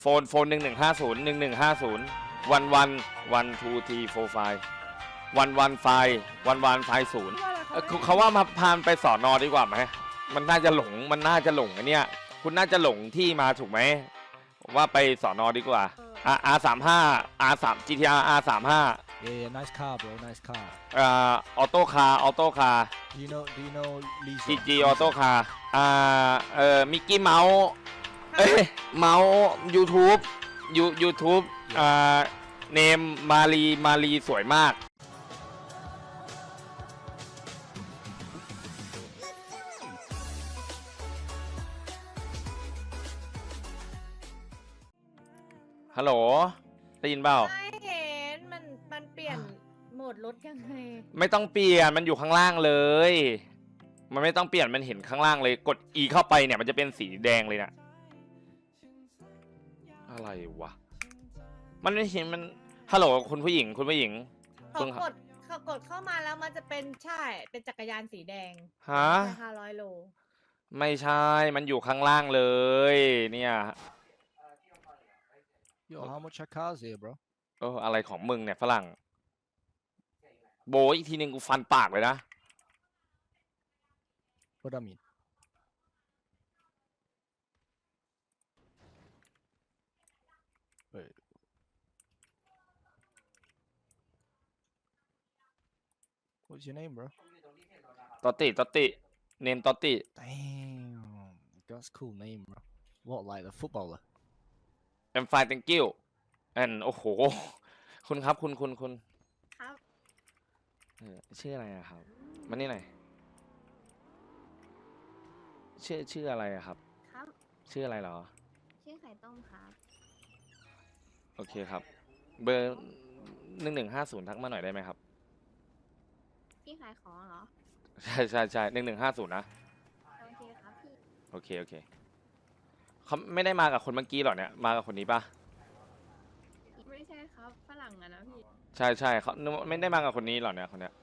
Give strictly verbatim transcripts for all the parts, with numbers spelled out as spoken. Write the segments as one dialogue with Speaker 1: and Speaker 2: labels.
Speaker 1: โฟนโฟนหนึ่งหนึ่งห้าศูนย์หนึ่งหนึ่งห้าศูนย์วันวันวันทูทีโฟร์ไฟวันวันไฟวันวันไฟศูนย์เขาว่ามาพานไปสอนอดีกว่าไหมมันน่าจะหลงมันน่าจะหลงอันเนี้ยคุณน่าจะหลงที่มาถูกไหมว่าไปสอนอดีกว่า อาร์ สามห้า อาร์ สาม จี ที อาร์ อาร์ สามห้า
Speaker 2: Yeah, nice car, bro. Nice car.
Speaker 1: อ่าออโต้คาร์ออโต้คาร์
Speaker 2: Do you know? Do you know Lisa?
Speaker 1: จี จี ออโต้คาร์อ่าเอ่อมิกกี้เมาส์เอ้ยเมาส์ YouTube ยูยูทูบอ่าเนมมารีมารีสวยมากฮัลโหลได้ยินเปล่า
Speaker 3: ไม่เห็นมันมันเปลี่ยนโหมดรถยังไง
Speaker 1: ไม่ต้องเปลี่ยนมันอยู่ข้างล่างเลยมันไม่ต้องเปลี่ยนมันเห็นข้างล่างเลยกด E เข้าไปเนี่ยมันจะเป็นสีแดงเลยนะอะไรวะมันไม่เห็นมันฮัลโหลคุณผู้หญิงคุณผู้หญิง
Speaker 3: เขากดเขากดเข้ามาแล้วมันจะเป็นใช่เป็นจักรยานสีแดง
Speaker 1: ฮะ
Speaker 3: ห้าร้อยโล
Speaker 1: ไม่ใช่มันอยู่ข้างล่างเลยเนี่ย
Speaker 2: Yo, how much are cars here, bro?
Speaker 1: เอออะไรของมึงเนี่ยฝรั่งโบอีกทีนึงกูฟันปากเลยนะ
Speaker 2: What I mean? Wait. What's your name, bro?
Speaker 1: ตอตติตอตติเนมตอตติ
Speaker 2: Damn, that's a cool name, bro. What, like the footballer?
Speaker 1: I'm fine thank you and โอ้โหคุณครับคุณคุณคุณ
Speaker 3: ครับ
Speaker 1: เออชื่ออะไรอะครับมานี่หน่อยชื่อชื่ออะไรอะครับ
Speaker 3: ครับ
Speaker 1: ชื่ออะไรเหรอ
Speaker 3: ชื่อไข่ต้มครับ
Speaker 1: โอเคครับเบอร์หนึ่งหนึ่งห้าศูนย์ทักมาหน่อยได้ไหมครับ
Speaker 3: พี่ขายของเหรอ
Speaker 1: ใช่ใช่ใช่หนึ่งหนึ่งห้าศูนย์นะ
Speaker 3: โอเคครับพี่
Speaker 1: โอเคโอเคเขาไม่ได้มากับคนเมื่อกี้หรอเนี่ยมากับคนนี้ปะ
Speaker 3: ไม่ใช่ครับฝรั่งอะนะพี่
Speaker 1: ใช่ใช่เขาไม่ได้มากับคนนี้หรอเนี่ยคนเนี้ย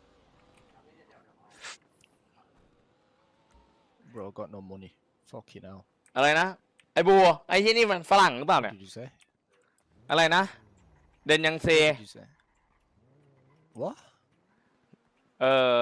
Speaker 2: Bro, got no money. Fucking hell.
Speaker 1: อะไรนะไอ้บัวไอ้ที่นี่มันฝรั่งหรือเปล่า
Speaker 2: What
Speaker 1: เนี่ย
Speaker 2: did you say?
Speaker 1: อะไรนะเดนยังเซ
Speaker 2: What did you say? What?
Speaker 1: เออ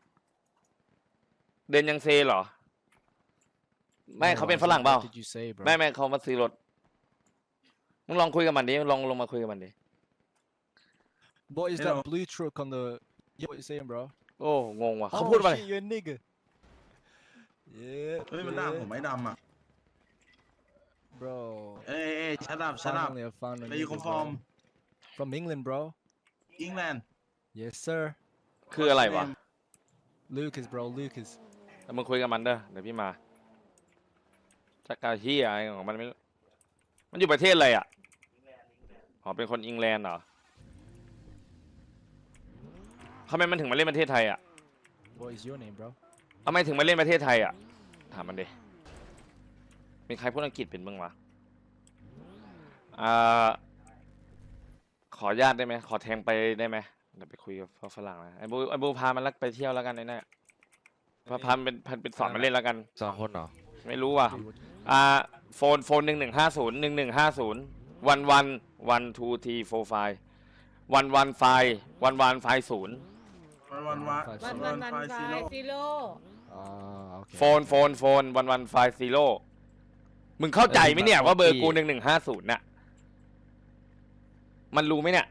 Speaker 1: เดนยังเซเหรอไม่
Speaker 2: No,
Speaker 1: เขา
Speaker 2: I
Speaker 1: เป็นฝ
Speaker 2: said,
Speaker 1: รั่งเปล่า
Speaker 2: what did you say, bro?
Speaker 1: ไม่ไม่เขามาซื้อรถมึงลองคุยกับมันดิลองลงมาคุยกับมันดิ
Speaker 2: What is
Speaker 4: Hello.
Speaker 2: that blue truck on the? Yeah, what you saying, bro?
Speaker 1: โอ้งงว่ะเขา
Speaker 2: Oh
Speaker 1: พูดว่าอะไร
Speaker 2: shit, you're a nigga. Yeah.
Speaker 4: เฮ้ยมันด่าผมไม่ดำอ่ะ
Speaker 2: Bro.
Speaker 4: เอ้ยเอ้ยชัดอัพชัดอัพ
Speaker 2: Finally, I found a
Speaker 4: ไปอยู่
Speaker 2: nigga,
Speaker 4: คอนฟอร์ม
Speaker 2: bro. From England, bro.
Speaker 4: อิงแลนด์
Speaker 2: Yes, sir.
Speaker 1: คืออะไรวะ
Speaker 2: Lucas, bro. Lucas.
Speaker 1: แต่มึงคุยกับมันเด้อเดี๋ยวพี่มาจักรเฮียอะไรของมันไม่รู้มันอยู่ประเทศอะไรอ่ะอ๋อเป็นคนอังกฤษเหรอทำไมมันถึงมาเล่นประเทศไทยอ่ะ
Speaker 2: What is your name, bro?
Speaker 1: ทำไมถึงมาเล่นประเทศไทยอ่ะถามมันดิมีใครพูดอังกฤษเป็นบ้างวะอ่าขออนุญาตได้ไหมขอแทงไปได้ไหมเดี๋ยวไปคุยกับฝรั่งนะไอ้บูไอ้บูพามันลักไปเที่ยวแล้วกันไอ้เนี่ยพาพาเป็นพันเป็นสอนมาเล่นแล้วกัน
Speaker 5: สองคนเหรอ
Speaker 1: ไม่รู้ว่ะอ่าโฟนโฟนหนึ่งหนึ่งห้าศูนย์หนึ่งหนึ่งห้าศูนย์วันวันวันทูทีโฟร์ไฟวันวันไฟวันวันไฟศูนย์
Speaker 4: วันวันวัน
Speaker 3: วันวันวันไฟซีโร่
Speaker 2: Ah, okay.
Speaker 1: โฟนโฟนโฟนวันวันไฟซีโร่มึงเข้าใจไหมเนี่ยว่าเบอร์กูหนึ่งหนึ่งห้าศูนย์น่ะมันรู้ไหมเนี่ย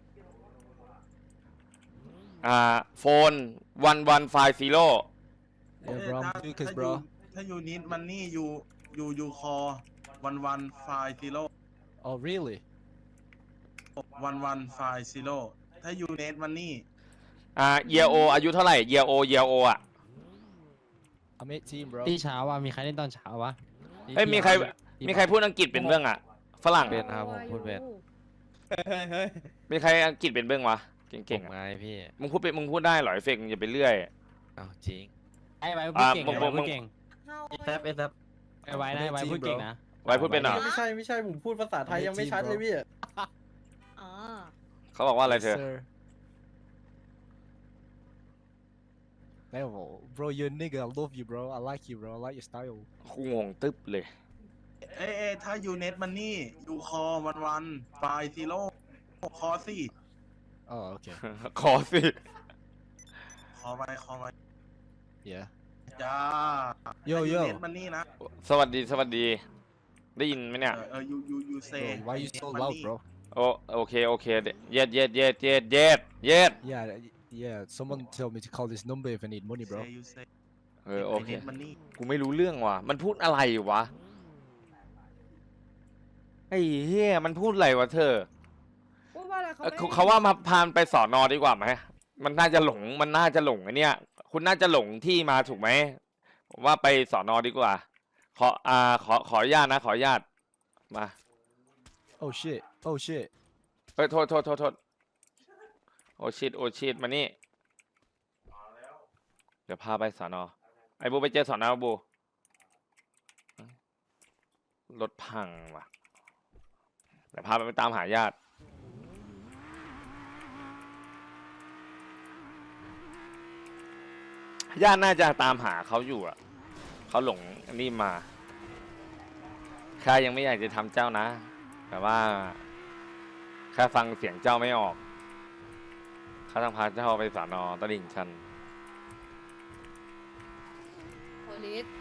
Speaker 1: อ่าโฟนวันวันไฟซีโร่
Speaker 2: Yeah, bro.
Speaker 4: ถ้า
Speaker 2: I'm Lucas,
Speaker 4: ถ้ายู
Speaker 2: bro.
Speaker 4: ถ้ายูนิดมันนี่ยูยูยูคอวันวันไฟซีโร่
Speaker 2: Oh, really?
Speaker 4: วันวันไฟซีโร่ถ้ายูเนทมันนี่
Speaker 1: อ่าเยโออายุเท่าไหร่เยโอเยโออ่ะ
Speaker 2: I'm eighteen, bro.
Speaker 5: ที่เช้าว่ะมีใครเล่นตอนเช้าวะ
Speaker 1: เอ้ยมีใครมีใครพูดอังกฤษเป็นเบื้องอ่ะฝรั่ง
Speaker 5: เป็นครับผมพูดเป็น
Speaker 1: มีใครอังกฤษเป็นเบื้องวะเก่งๆ
Speaker 5: ผม
Speaker 1: อ่ะ
Speaker 5: ไงพี่
Speaker 1: มึงพูดเป็นมึงพูดได้เหรอไอเฟกอย่าไปเรื่อย
Speaker 5: อ้าวจริง
Speaker 6: ไอ้ไว้พูดเก่ง
Speaker 1: อ่า
Speaker 6: ไอ้ไว้
Speaker 1: มึ
Speaker 6: พู
Speaker 1: ง
Speaker 6: ดเก่ง
Speaker 5: แซฟเอสแซฟ
Speaker 6: ไอ้ไว้นะไอ้ไว้พูดเก่งนะ
Speaker 1: ไว้พูดเป็นเหรอ
Speaker 7: ไม่ใช่ไม่ใช่ผมพูดภาษาไทยยังไม่ชัดเลยพี่
Speaker 3: อ๋อ
Speaker 1: เขาบอกว่าอะไร
Speaker 2: Yes,
Speaker 1: เธอ
Speaker 2: sir. Hey, bro, you're a nigga. I love you, bro. I like you, bro. I like your style.
Speaker 1: กูงงตึ๊บเลย
Speaker 4: เอ้ยเอ้ยถ้ายูเน็ตมันนี่ยูคอวันวันไฟซีโร่คอสี่
Speaker 2: Oh, okay.
Speaker 1: ขอสิ
Speaker 4: คอไปคอไป
Speaker 2: Yeah.
Speaker 4: จ้า
Speaker 2: Yo,
Speaker 4: ถ้า
Speaker 2: yo.
Speaker 4: เน็ตมันนี่นะ
Speaker 1: สวัสดีสวัสดี ได้ยินไหมเนี่ย
Speaker 4: เออเออยูยูยูเซ
Speaker 2: Bro, why you so loud, bro?
Speaker 1: โอโอเคโอเคเย็ดเย็ดเย็ดเย็ดเย็ดเย็ด
Speaker 2: Yeah, y- yeah. Someone tell me to call this number if I need money, bro.
Speaker 4: ยูเซ
Speaker 1: เออโอเค
Speaker 4: เน็ตมันนี่
Speaker 1: กูไม่รู้เรื่องว่ะ มันพูดอะไรวะ ไอ้เหี้ย มันพูดอะไรวะเธอ
Speaker 3: พูดว่าอะไรเขา
Speaker 1: เอ่อ
Speaker 3: ไม่
Speaker 1: เขาเขาว่ามาพานไปสอนอดีกว่าไหม มันน่าจะหลง มันน่าจะหลงไอ้เนี่ย คุณน่าจะหลงที่มาถูกไหม ผมว่าไปสอนอดีกว่า ขอ อ่า ขอ ขออนุญาตนะ ขออนุญาต มา
Speaker 2: Oh shit. Oh shit.
Speaker 1: เฮ้ย โทษโทษโทษโทษโอชิดโอชิดมานี่ เดี๋ยวพาไปสอนอ ไอ้บูไปเจอสอนอบู รถพังว่ะ เดี๋ยวพาไปตามหาญาติ ญาติน่าจะตามหาเขาอยู่อ่ะ เขาหลงอันนี้มา ข้ายังไม่อยากจะทำเจ้านะ แต่ว่าข้าฟังเสียงเจ้าไม่ออก ข้าต้องพาเจ้าไปสอนอตลิ่งชัน
Speaker 3: โพลิส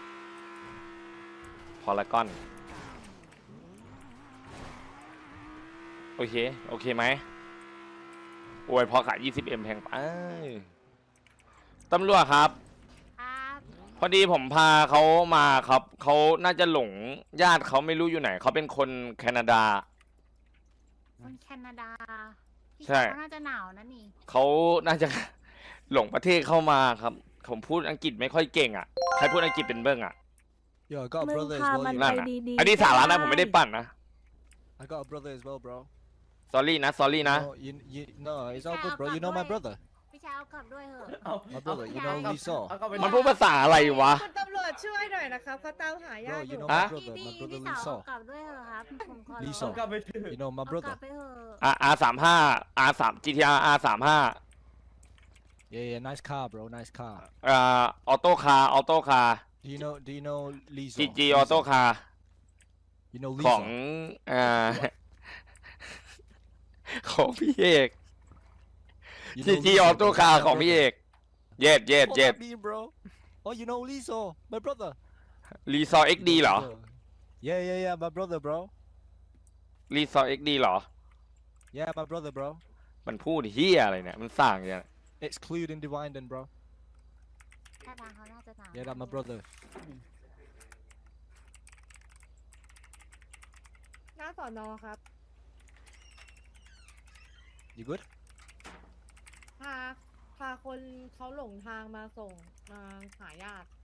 Speaker 1: พอลากอน โอเค โอเคไหมโอ้ยพอขาย ยี่สิบเอ็ม แพงไปตำรวจครับ
Speaker 8: ครับ
Speaker 1: พอดีผมพาเขามาครับ เขาน่าจะหลงญาติเขาไม่รู้อยู่ไหน เขาเป็นคนแคนาดา
Speaker 8: คนแคนาดาพี่
Speaker 1: ใช่
Speaker 8: เขาน่าจะหนาวนะนี่
Speaker 1: เขาน่าจะ หลงประเทศเข้ามาครับ ผมพูดอังกฤษไม่ค่อยเก่งอ่ะ ใครพูดอังกฤษเป็นเบิ้งอ่ะ
Speaker 2: Yo, I got a
Speaker 9: มึง
Speaker 2: brother as
Speaker 9: พา
Speaker 2: well.
Speaker 9: มัน
Speaker 2: You
Speaker 1: นั่
Speaker 9: ไป
Speaker 1: นน่ะ
Speaker 9: ดีๆ
Speaker 1: อันนี้สาระนะ
Speaker 9: ก็
Speaker 1: ผมไม่ได้ปั่นนะ
Speaker 2: I got a brother as well, bro.
Speaker 1: สอรี่นะ สอรี่นะ
Speaker 2: No, you, you, no, it's all good, bro. You know my brother.
Speaker 8: พี่ชายเอากลับด้วยเหอะ
Speaker 7: เอา
Speaker 2: My brother, you know
Speaker 7: เอา
Speaker 2: Lisa.
Speaker 7: เอากลับไป
Speaker 1: มันพูดภาษาอะไรวะ
Speaker 3: คุณตำรวจช่วยหน่อยนะครับเขาตามหาญา
Speaker 2: Bro,
Speaker 3: ติอ
Speaker 2: you
Speaker 3: ยู่
Speaker 2: know
Speaker 1: ฮะ
Speaker 2: my
Speaker 8: พี่
Speaker 2: brother.
Speaker 8: พี่
Speaker 2: My
Speaker 8: พี่
Speaker 2: brother
Speaker 8: สาว
Speaker 2: Lisa.
Speaker 8: เอากลับด้วยเหอะครับผมขอร้อง
Speaker 2: Lisa
Speaker 7: เอากลับไปเถอะ
Speaker 2: You know my
Speaker 8: เอากลับ
Speaker 2: brother.
Speaker 8: ไปเหอะ
Speaker 1: อ่ะ อาร์ สามห้า อาร์ สาม จี ที อาร์ อาร์ สามห้า
Speaker 2: Yeah, yeah. Nice car, bro. Nice car.
Speaker 1: อ่า ออโต้คาร์ ออโต้คาร์
Speaker 2: Do you know? Do you know Lisa?
Speaker 1: จี จี อ
Speaker 2: Lisa?
Speaker 1: อโต้คาร์
Speaker 2: You know
Speaker 1: ของ
Speaker 2: Lisa?
Speaker 1: อ่า ของพี่เอก
Speaker 2: You
Speaker 1: จี
Speaker 2: know
Speaker 1: จี
Speaker 2: Lisa,
Speaker 1: ออโต้
Speaker 2: bro.
Speaker 1: คาร์
Speaker 2: My
Speaker 1: ของพี่เอ
Speaker 2: brother.
Speaker 1: ก เย็ดเย็ด
Speaker 2: What
Speaker 1: เย็ด
Speaker 2: that mean, bro? Oh, you know Lisa, my brother.
Speaker 1: รีซอร์เอ็ก
Speaker 2: You
Speaker 1: ดี
Speaker 2: know
Speaker 1: เหรอ
Speaker 2: Lisa. Yeah, yeah, yeah. My brother, bro.
Speaker 1: รีซอร์เอ็กดีเหรอ
Speaker 2: Yeah, my brother, bro.
Speaker 1: มันพูดเฮียอะไรเนี่ย มันสั่งอย่างเงี้ย
Speaker 2: Excluding Divine, bro.
Speaker 8: ถ้าทางเขาน่าจะหนาว
Speaker 2: Yeah, that's my brother.
Speaker 3: หน้าสอนอครับ
Speaker 2: You good?
Speaker 3: พาพาคนเขาหลงทางมาส่งมาหาญาติ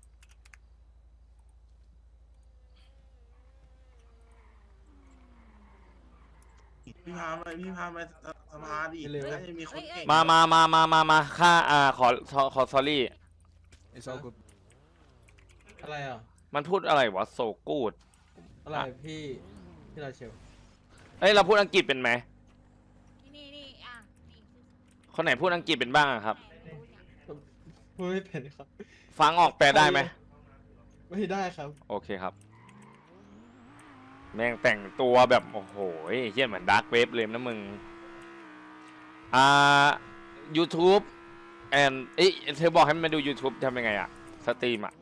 Speaker 4: พี่พาไปพี่พาไปสภาดิ
Speaker 2: เร็ว
Speaker 4: น่าจะมีคนเก่ง
Speaker 1: มามามามามามาค่า อ่า ขอ ขอขอ sorry
Speaker 2: It's all good.
Speaker 7: อะไรอ่ะ
Speaker 1: มันพูดอะไรวะ โซกูด
Speaker 7: อะไรพี่พี่ราเชล
Speaker 1: เอ้ย เราพูดอังกฤษเป็นไหม
Speaker 8: นี่นี่นี่อ่ะนี่
Speaker 1: คนไหนพูดอังกฤษเป็นบ้างอะครับ
Speaker 7: พูดไม่เป็นครับ
Speaker 1: ฟังออกแปลได้ไหม
Speaker 7: ไม่ได้ครับ
Speaker 1: โอเคครับ แม่งแต่งตัวแบบ โอ้โหเฮี้ยเหมือนดาร์กเวฟเลยนะมึง อ่า YouTube and เอ้ยเธอบอกให้มันมาดู YouTube ทำยังไงอะสตรีมอะ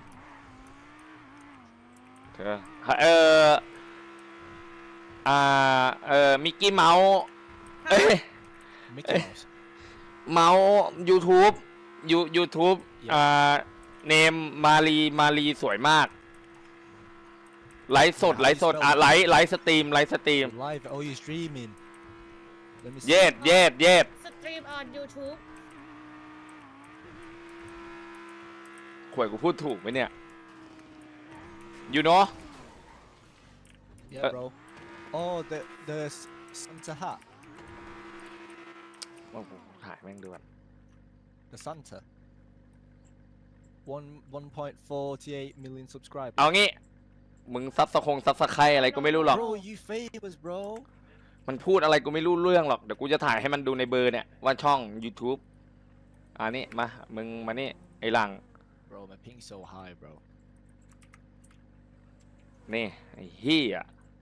Speaker 1: เธอเอออ่า เออมิกกี้เมาส์เอ้ย
Speaker 2: Mickey Mouse.
Speaker 1: เมาส์ YouTube ยู YouTube อ่า เนมมารีมารีสวยมาก ไลฟ์สด ไลฟ์สด อ่ะ ไลฟ์ไลฟ์สตรีม ไลฟ์สตรีม
Speaker 2: You're live. Oh, you're streaming. Let me see.
Speaker 1: เย็ดเย็ดเย็ด
Speaker 3: สตรีมออน YouTube
Speaker 1: ข่วยกูพูดถูกไหมเนี่ย you know
Speaker 2: Yeah,
Speaker 1: Uh,
Speaker 2: bro. Oh, the the S- Santa hat.
Speaker 1: โอ้โหถ่ายแม่งด้วย
Speaker 2: The Santa. One one point forty eight million subscribers.
Speaker 1: เอางี้ มึงซับสะคงซับสะไครอะไรก็ไม่รู้หรอก
Speaker 2: Bro, you famous, bro.
Speaker 1: มันพูดอะไรกูไม่รู้เรื่องหรอก เดี๋ยวกูจะถ่ายให้มันดูในเบอร์เนี่ย ว่าช่อง YouTube อันนี้มา มึงมานี่ ไอ้หลัง
Speaker 2: Bro, my ping's so high, bro.
Speaker 1: นี่ไอ้เหี้ย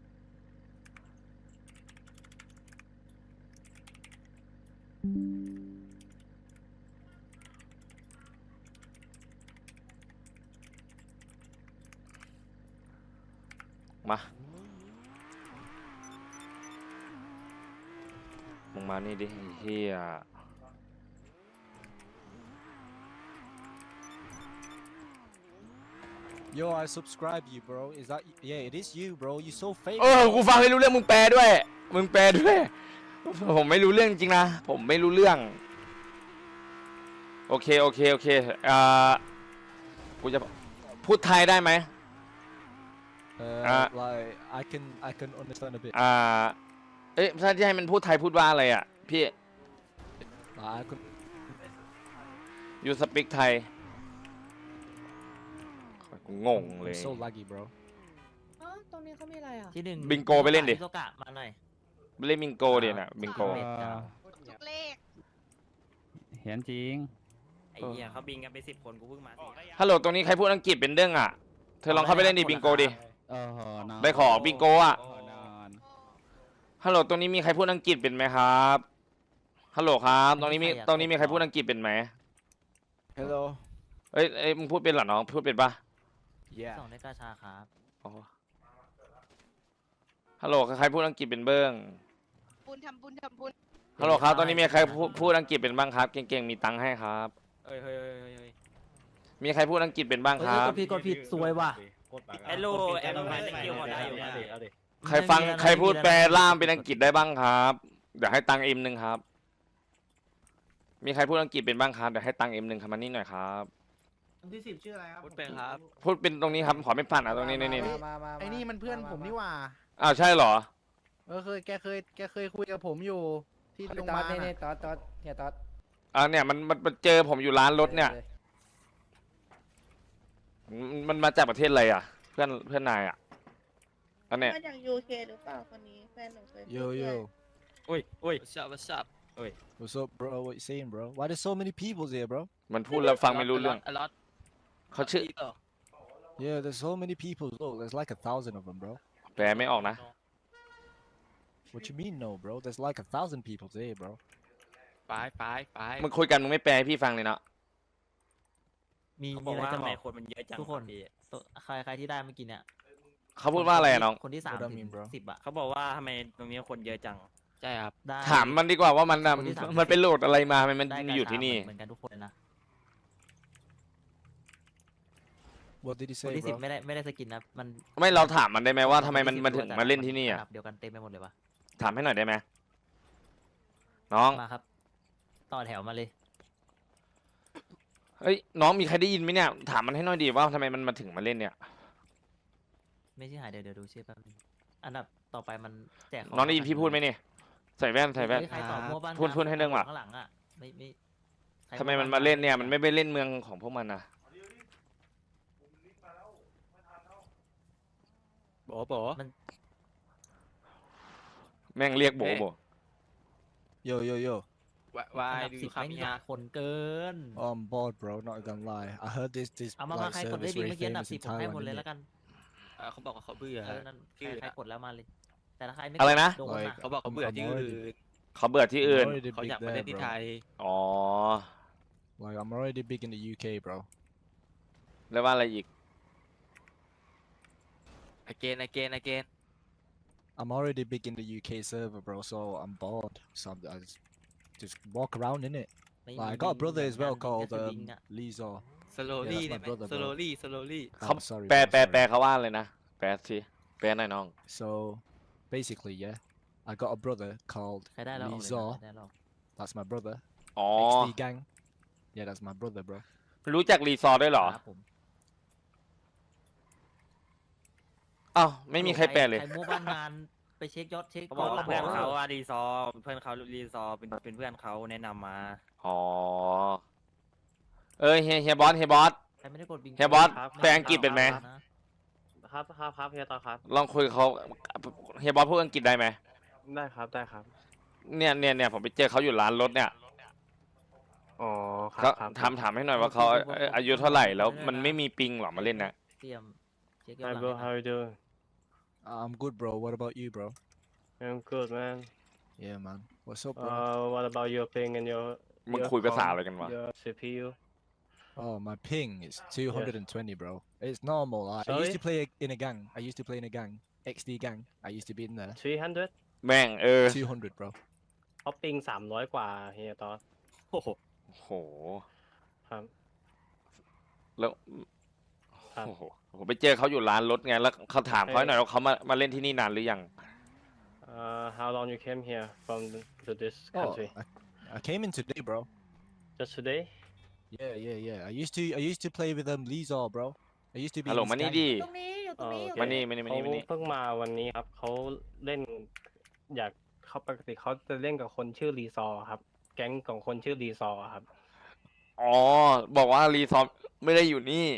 Speaker 1: มามึงมานี่ดิไอ้เหี้ย
Speaker 2: Yo, I subscribe you, bro. Is that? Yeah, it is you, bro. You so fake.
Speaker 1: เออ กูฟังไม่รู้เรื่องมึงแปลด้วย มึงแปลด้วย ผมไม่รู้เรื่องจริงนะ ผมไม่รู้เรื่อง โอเค โอเค โอเคอ่ากูจะพูดไทยได้ไหม
Speaker 2: Uh,
Speaker 1: Ah.
Speaker 2: like I can, I can understand a bit.
Speaker 1: อ่า เอ๊ะถ้าจะให้มันพูดไทยพูดว่าอะไรอ่ะ พี่
Speaker 2: Like, I can.
Speaker 1: you speak ไทยกูงงเลย
Speaker 2: I'm so laggy, bro.
Speaker 3: อ๋อตรงนี้เขามีอะไรอ่ะ
Speaker 6: ที่หนึ่ง
Speaker 1: บิงโกไปเล่นดิ
Speaker 6: โซกะมาหน่อย
Speaker 1: เล่นบิงโกเดียน่ะ บิงโก
Speaker 6: เม็ดจ้ะ
Speaker 8: ทุกเลข
Speaker 9: เห็นจริง
Speaker 5: ไอ้เหี้ยเขาบิงกันไปสิบคนกูเพิ่งมาสี่
Speaker 1: ฮัลโหล ตรงนี้ใครพูดอังกฤษเป็นเรื่องอ่ะ เธอลองเข้าไปเล่นดิบิงโกดิ
Speaker 9: เออหอนอน
Speaker 1: ได้ขอบิงโกอ่ะ
Speaker 9: เออนอน
Speaker 1: ฮัลโหล ตรงนี้มีใครพูดอังกฤษเป็นไหมครับ ฮัลโหลครับ ตรงนี้มี ตรงนี้มีใครพูดอังกฤษเป็นไหม
Speaker 2: Hello.
Speaker 1: เอ้ยเอ้ยมึงพูดเป็นเหรอน้อง พูดเป็นปะ
Speaker 2: Yeah.
Speaker 6: ส่งได้กาชาครับ
Speaker 1: อ๋อฮัลโหล ใครพูดอังกฤษเป็นเบิ้ง
Speaker 8: บุญทำบุญทำบุญ
Speaker 1: ฮัลโหลครับ ตอนนี้มีใครพูดพูดอังกฤษเป็นบ้างครับ เก่งๆ มีตังค์ให้ครับ
Speaker 5: เฮ้ยเฮ้ยเฮ้ยเฮ้ย
Speaker 1: มีใครพูดอังกฤษเป็นบ้างครับ
Speaker 6: กดผิดกดผิดสวยว่ะ
Speaker 5: ไอ้ลูกแอมไพสกิลหมดได้อยู่นะ
Speaker 1: ใครฟัง
Speaker 6: ไม่มีอะไร
Speaker 1: ใครพูด
Speaker 6: ไม่มีอะไร
Speaker 1: แปลล่ามเป็นอังกฤษได้บ้างครับ เดี๋ยวให้ตังค์เอ็มหนึ่งครับ มีใครพูดอังกฤษเป็นบ้างครับ เดี๋ยวให้ตังค์เอ็มหนึ่งครับมานี่หน่อยครับ
Speaker 7: คนที่สิบชื่ออะไรครับ
Speaker 5: พูดเป็นครับ
Speaker 1: พูดเป็นตรงนี้ครับ ขอไม่ผ่านอ่ะตรงนี้นี่นี่
Speaker 10: ไอ้นี่มันเพื่อนผมนี่หว่า
Speaker 1: อ้าวใช่เหรอ
Speaker 10: เออเคยแกเคยแกเคยคุยกับผมอยู่ที่โรงพยาบาลน่ะ
Speaker 3: ตอดตอดเฮียตอด
Speaker 1: อ่าเนี่ยมันมันมันเจอผมอยู่ร้านรถเนี่ย มันมันมาจากประเทศอะไรอ่ะ เพื่อนเพื่อนนายอ่ะอันเนี้ย
Speaker 8: มาจากยูเคหรือเปล่าคนนี้แฟนหนูเคย
Speaker 2: Yo, yo.
Speaker 5: อุ้ยอุ้ย
Speaker 6: What's up What's up
Speaker 2: What's up, bro? What you saying, bro? Why there's so many people here, bro?
Speaker 1: มันพูดแล้วฟังไม่รู้เรื่อง
Speaker 6: a lot
Speaker 1: เขาชื่อ
Speaker 2: Yeah, there's so many people. Look, there's like a thousand of them, bro.
Speaker 1: แปลไม่ออกนะ
Speaker 2: What you mean, no, bro? There's like a thousand people here, bro.
Speaker 6: ไปไปไป
Speaker 1: มึงคุยกันมึงไม่แปลให้พี่ฟังเลยเนาะ
Speaker 6: มี
Speaker 5: เขาบ
Speaker 6: มี
Speaker 5: อก
Speaker 6: อะไร
Speaker 5: ว่า
Speaker 6: จะ
Speaker 5: ทำ
Speaker 6: บ
Speaker 5: ไม
Speaker 6: อก
Speaker 5: คนมันเยอะจัง
Speaker 6: ทุกคน
Speaker 5: พี่
Speaker 6: ตัวใครใครที่ได้เมื่อกี้เนี่ย
Speaker 1: เขาพูดว่าอะไรอะน้อง
Speaker 6: คนที่สาม
Speaker 2: What I
Speaker 6: ถึ
Speaker 2: mean,
Speaker 6: ง
Speaker 2: bro?
Speaker 6: สิบอะ
Speaker 5: เขาบอกว่าทำไมตรงนี้คนเยอะจัง
Speaker 6: ใช่ครับได้
Speaker 1: ถามมันดีกว่าว่ามันน่ะ
Speaker 6: คนที่สาม
Speaker 1: มันไปโหลดอะไรมาทำไมมัน
Speaker 6: ได้
Speaker 1: มาอยู่ที่นี่
Speaker 6: เหมือนกันทุกคนเลยนะ
Speaker 2: What did he
Speaker 6: คน
Speaker 2: say,
Speaker 6: ที่สิบ
Speaker 2: bro?
Speaker 6: ไม่ได้ไม่ได้สกินนะมัน
Speaker 1: ไม่เราถามมันได้ไหมว่าทำไมมัน
Speaker 6: ค
Speaker 1: มัน
Speaker 6: ที่
Speaker 1: ถึง
Speaker 6: สิบ
Speaker 1: มาเล่นที่นี่
Speaker 6: ระ
Speaker 1: อ่ะ
Speaker 6: ดับเดียวกันเต็มไปหมดเลยวะ
Speaker 1: ถามให้หน่อยได้ไหมน้อง
Speaker 6: มาครับ ต่อแถวมาเลย
Speaker 1: เฮ้ยน้องมีใครได้ยินไหมเนี่ย ถามมันให้หน่อยดีว่าทำไมมันมาถึงมาเล่นเนี่ย
Speaker 6: ไม่ใช่หายเดี๋ยวเดี๋ยวดูชื่อแป๊บนึงอันดับต่อไปมันแจกข
Speaker 1: น้องได้ยินพี่พูดไหมเนี่ยใส่แว่นใส่แว่น
Speaker 6: ใครตอบมั่วบ้าง
Speaker 1: พูดพูดให้เรื่องว่ะ
Speaker 6: ข้างหลังอะไม่ไม่ใคร
Speaker 1: ทำไมมันมาเล่นเนี่ยมันไม่ไปเล่นเมืองของพวกมันนะ
Speaker 6: โบโบ
Speaker 1: แม่งเรียกโบโบ
Speaker 2: Yo, yo, yo.
Speaker 6: วายดูครับมีคนเกิน
Speaker 2: Oh, I'm bored, bro. Not gonna lie. I heard this this
Speaker 6: เอามามา
Speaker 2: like
Speaker 6: ใครกดได้
Speaker 2: service
Speaker 6: ดี
Speaker 2: very
Speaker 6: เมื่อกี้อันดับ
Speaker 2: famous
Speaker 6: สิ
Speaker 2: in
Speaker 6: บผมให้หมด
Speaker 2: Thailand,
Speaker 6: เลย
Speaker 2: innit?
Speaker 6: แล้วกัน
Speaker 5: เขาบอกว่าเขาเบื่อ
Speaker 6: เออนั่นใครใครกดแล้วมาเลย แต่ถ้าใครไม่
Speaker 1: อะไรนะ
Speaker 6: โดน
Speaker 2: Like
Speaker 6: นะ
Speaker 5: เขาบอกเขาเบื่อที่อื่น
Speaker 1: เขาเบื่อที่
Speaker 2: I'm
Speaker 1: อื่น
Speaker 2: already
Speaker 5: เขา
Speaker 2: big
Speaker 5: อยากมา
Speaker 2: there,
Speaker 5: เล่นที่
Speaker 2: bro.
Speaker 5: ไทย
Speaker 1: อ๋อ
Speaker 2: Like I'm already big in the U K, bro.
Speaker 1: แล้วว่าอะไรอีก
Speaker 5: again again again
Speaker 2: I'm already big in the U K server, bro. So I'm bored. So I'm, I just just walk around in it.
Speaker 6: ไม่
Speaker 2: Like I
Speaker 6: มี
Speaker 2: got a brother as well
Speaker 6: เหมือนกัน
Speaker 2: called
Speaker 6: แค่สวิ
Speaker 2: um,
Speaker 6: งอะ
Speaker 2: Lizor.
Speaker 5: slowly
Speaker 2: Yeah, that's my
Speaker 5: ได้ไหม
Speaker 2: brother, bro.
Speaker 5: slowly slowly
Speaker 1: เขา
Speaker 2: Oh, sorry,
Speaker 1: แปล
Speaker 2: bro,
Speaker 1: แปล
Speaker 2: sorry.
Speaker 1: แปลเขาว่าเลยนะ แปลสิแปลหน่อยน้อง
Speaker 2: So basically, yeah, I got a brother called
Speaker 6: ใครได้แล้วออกเลยนะ
Speaker 2: Lizor.
Speaker 6: ใครได้แล้วออก
Speaker 2: That's my brother.
Speaker 1: อ๋อ
Speaker 2: X D gang. Yeah, that's my brother, bro.
Speaker 1: รู้จักรีซอร์ด้วยเหรอ
Speaker 6: ครับผม
Speaker 1: อ้าวไม่มีใครแปลเลย
Speaker 6: ใครมั่วบ้านงานไปเช็คยอดเช็ค
Speaker 5: เขาบอกว่า
Speaker 6: ก่
Speaker 5: เพื่อนเขาว่ารีซอร์เพื่อนเขารีซอร์เป็นเป็นเพื่อนเขาแนะนำมา
Speaker 1: อ๋อ เอ้ยเฮียเฮียบอสเฮียบอส
Speaker 6: ใครไม่ได้กดบิง
Speaker 1: เฮียบอส
Speaker 6: ไม่
Speaker 1: แปลอังกฤษเป็นไหม
Speaker 6: นะ
Speaker 5: ครับครับครับเฮียต่อครับ
Speaker 1: ลองคุยกับเขาเฮียบอสพูดอังกฤษได้ไหม
Speaker 5: ได้ครับได้ครับ
Speaker 1: เนี่ยเนี่ยเนี่ยผมไปเจอเขาอยู่ร้านรถเนี่ย
Speaker 5: อ๋อค
Speaker 1: ก็
Speaker 5: รับครับ
Speaker 1: ถามถามให้หน่อยว่าเขาเอ่ออายุเท่าไหร่แล้วมันไม่มีปิงหรอมาเล่นนะ
Speaker 6: เตรียมเช็คยอด
Speaker 5: Hi
Speaker 6: หลัง
Speaker 5: bro
Speaker 6: ให้
Speaker 5: how
Speaker 6: นะ
Speaker 5: you doing
Speaker 2: I'm good, bro. What about you, bro?
Speaker 11: I'm good, man.
Speaker 2: Yeah, man. What's up, bro?
Speaker 11: Uh, what about your ping and your
Speaker 1: มึง
Speaker 11: your
Speaker 1: คุยภาษา
Speaker 11: com-
Speaker 1: อะไรกันวะ
Speaker 11: your ซี พี ยู?
Speaker 2: Oh, my ping is two hundred twenty, bro. It's normal. I, I used to
Speaker 11: Sorry?
Speaker 2: play in a gang. I used to play in a gang. X D gang. I used to be in there.
Speaker 11: three hundred
Speaker 1: แม่งเออ
Speaker 2: two hundred, bro.
Speaker 11: เขาปิงสามร้อยกว่าเฮียตอน
Speaker 5: โอ้โห
Speaker 1: โห
Speaker 11: ครับ
Speaker 1: แล้ว
Speaker 11: ครับ
Speaker 1: โอ้โหผมไปเจอเขาอยู่ร้านรถไงแล้วเขาถามเขาหน่อยว่าเขามามาเล่นที่นี่นานหรือยัง
Speaker 11: Uh, how long you came here from the, to this
Speaker 2: Oh,
Speaker 11: country?
Speaker 2: I, I came in today, bro.
Speaker 11: Just today?
Speaker 2: Yeah, yeah, yeah. I used to I used to play with um Lizor, bro. I used to be
Speaker 1: ฮัล
Speaker 2: in
Speaker 1: โหล
Speaker 2: his
Speaker 1: มานี่
Speaker 2: gang.
Speaker 1: ดิ
Speaker 3: ตรงนี้อยู่ตรงนี้อยู่ต
Speaker 11: โอ
Speaker 3: ร
Speaker 11: เค
Speaker 3: งนี้
Speaker 1: มานี่มานี่มา
Speaker 11: เขา
Speaker 1: นี่มานี่
Speaker 11: เพิ่งมาวันนี้ครับเขาเล่น อยากเขาปกติเขาจะเล่นกับคนชื่อรีซอร์ครับ แก๊งของคนชื่อรีซอร์ครับ
Speaker 1: อ๋อ บอกว่ารีซอมไม่ได้อยู่นี่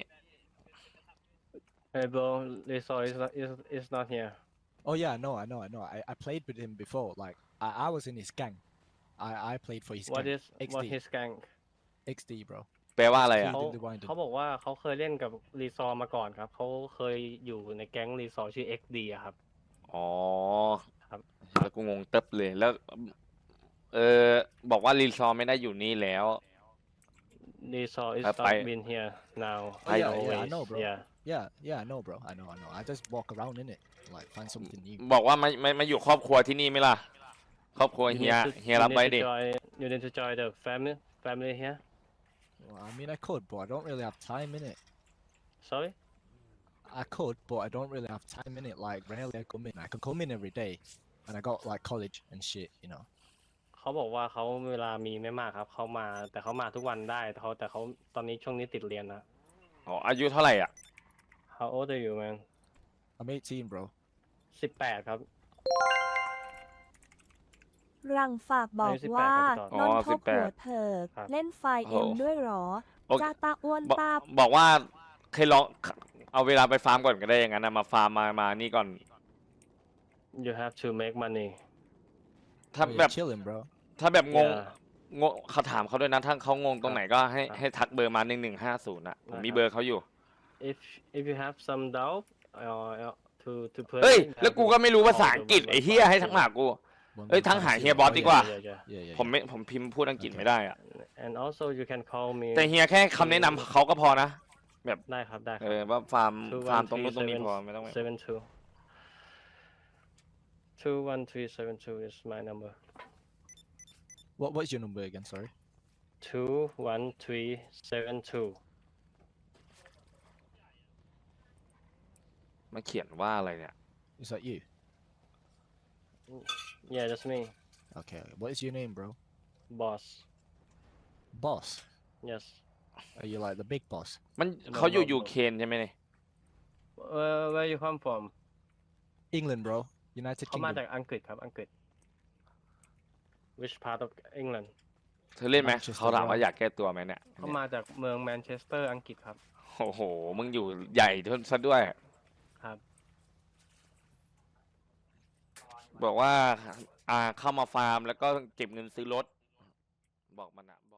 Speaker 11: Hey bro, Lizor is not is is not here.
Speaker 2: Oh yeah, I know, I know, I know. I, I played with him before. Like I, I was in his gang. I, I played for his
Speaker 11: What
Speaker 2: gang.
Speaker 11: is what
Speaker 2: XD.
Speaker 11: his gang?
Speaker 2: X D, bro.
Speaker 1: แปลว่าอะไรอ่ะ
Speaker 11: เขา
Speaker 2: Killed in the Winding.
Speaker 11: เขาบอกว่าเขาเคยเล่นกับรีซอร์มาก่อนครับเขาเคยอยู่ในแก๊งรีซอร์ชื่อ เอ็กซ์ ดี อะครับ
Speaker 1: อ๋อ
Speaker 11: ครับ
Speaker 1: แล้วกูงงเติบเลยแล้ว เออบอกว่ารีซอมไม่ได้อยู่นี่แล้ว
Speaker 11: รีซอร์ is
Speaker 1: ครับไป
Speaker 11: not been here now.
Speaker 2: Oh, yeah,
Speaker 11: always.
Speaker 2: yeah, I know, bro.
Speaker 11: Yeah.
Speaker 2: Yeah, yeah, I know, bro. I know, I know. I just walk around in it, like find something new.
Speaker 1: บอกว่ามามามาอยู่ครอบครัวที่นี่ไหมล่ะ ครอบครัว
Speaker 11: You
Speaker 1: เฮีย
Speaker 11: need to-
Speaker 1: เฮีย
Speaker 11: you
Speaker 1: รับ
Speaker 11: need
Speaker 1: ไว้
Speaker 11: to
Speaker 1: ดิ
Speaker 11: join- You need to join the family family here.
Speaker 2: Well, I mean, I could, but I don't really have time in it.
Speaker 11: Sorry.
Speaker 2: I could, but I don't really have time in it. Like, rarely I come in. I can come in every day, and I got like college and shit, you know.
Speaker 11: เขาบอกว่าเขาเวลามีไม่มากครับเขามาแต่เขามาทุกวันได้แต่เขาแต่เขาตอนนี้ช่วงนี้ติดเรียนนะ
Speaker 1: อ๋อ อายุเท่าไหร่อ่ะ
Speaker 11: How old are you man?
Speaker 2: I'm eighteen, bro.
Speaker 11: สิบแปดครับ
Speaker 12: รังฝากบอก
Speaker 11: อายุสิบแปด
Speaker 12: ว่า
Speaker 11: ครับ
Speaker 1: อ๋
Speaker 12: น
Speaker 1: อ
Speaker 12: นท
Speaker 1: สิ
Speaker 12: บบ
Speaker 1: แป
Speaker 12: หั
Speaker 1: ด
Speaker 12: วเถิก
Speaker 11: ครับ
Speaker 12: เล่นไฟ
Speaker 1: โอ้
Speaker 12: เอ็มด้วยเหรอ
Speaker 1: โอเค
Speaker 12: จ้าตาอ้วน
Speaker 1: บอก
Speaker 12: ตา
Speaker 1: บอกว่าเคยลองเอาเวลาไปฟาร์มก่อนก็ได้อย่างนั้นนะมาฟาร์มมามานี่ก่อน
Speaker 11: You have to make money.
Speaker 1: ถ้า
Speaker 2: Oh, you're
Speaker 1: แบบ
Speaker 2: chilling, bro.
Speaker 1: ถ้าแบบงง
Speaker 11: Yeah.
Speaker 1: งงเขาถามเขาด้วยนะถ้าเขางงตรงไหนก็ให้
Speaker 11: ครับ
Speaker 1: ให้ทักเบอร์มาหนึ่งหนึ่งห้าศูนย์อ่ะผมมี
Speaker 11: ได้ครับ
Speaker 1: เบอร์เขาอยู่
Speaker 11: If if you have some doubt uh, to to play
Speaker 1: เฮ้ย
Speaker 11: you
Speaker 1: แล้ว
Speaker 11: have
Speaker 1: กู
Speaker 11: to
Speaker 1: ก็ไม่รู้ภาษา
Speaker 11: call
Speaker 1: อั
Speaker 11: the
Speaker 1: งกฤษ
Speaker 11: one
Speaker 1: ไอ้
Speaker 11: one
Speaker 1: เฮีย
Speaker 11: five
Speaker 1: ให้ทักมาหากู
Speaker 2: One
Speaker 1: เอ้ย
Speaker 2: one
Speaker 1: ทั้ง
Speaker 2: five
Speaker 1: หา
Speaker 2: zero.
Speaker 1: เฮียบอส
Speaker 2: Oh,
Speaker 1: ดี
Speaker 2: yeah.
Speaker 1: กว่า
Speaker 11: Yeah, yeah.
Speaker 2: Yeah, yeah.
Speaker 1: ผมไม่ผมพิมพ์พูดอังกฤษไม่ได้อ่ะ
Speaker 11: And also you can call me
Speaker 1: แต่เฮียแค่คำแนะนำเขาก็พอนะ
Speaker 11: ได้ครับได้ค
Speaker 1: เอ
Speaker 11: รับ
Speaker 1: อว่าฟาร์ม
Speaker 11: two
Speaker 1: ฟาร์ม
Speaker 11: one
Speaker 1: ตรง
Speaker 11: three
Speaker 1: นู้นตรงนี้
Speaker 11: seven
Speaker 1: พอไม่ต้อง
Speaker 11: seven two two one three seven two is my number
Speaker 2: What What's your number again? Sorry.
Speaker 11: two one three seven two
Speaker 1: มันเขียนว่าอะไรเนี่ย
Speaker 2: Is that you?
Speaker 11: Yeah that's me
Speaker 2: Okay. What is your name, bro?
Speaker 11: boss
Speaker 2: Boss.
Speaker 11: yes
Speaker 2: Are you like the big boss?
Speaker 1: มัน
Speaker 11: No,
Speaker 1: เขาอยู่
Speaker 11: no,
Speaker 1: ยู
Speaker 11: no.
Speaker 1: เคนใช่ไหมเนี่ย
Speaker 11: uh, where you come from
Speaker 2: England, bro. United
Speaker 11: เขามาจาก
Speaker 2: Kingdom.
Speaker 11: อังกฤษครับอังกฤษ which part of England
Speaker 1: เธอเล่นไหม
Speaker 2: Manchester
Speaker 1: เขาถามว่า
Speaker 2: United
Speaker 1: อยากแก้ตัวไหมเนี่ย
Speaker 11: เขามาจากเมืองแมนเชสเตอร์อังกฤษครับ
Speaker 1: โอ้โห มึงอยู่ใหญ่ซะด้วย
Speaker 11: ครับ
Speaker 1: บอกว่า อ่าเข้ามาฟาร์มแล้วก็เก็บเงินซื้อรถ บอกมันอะ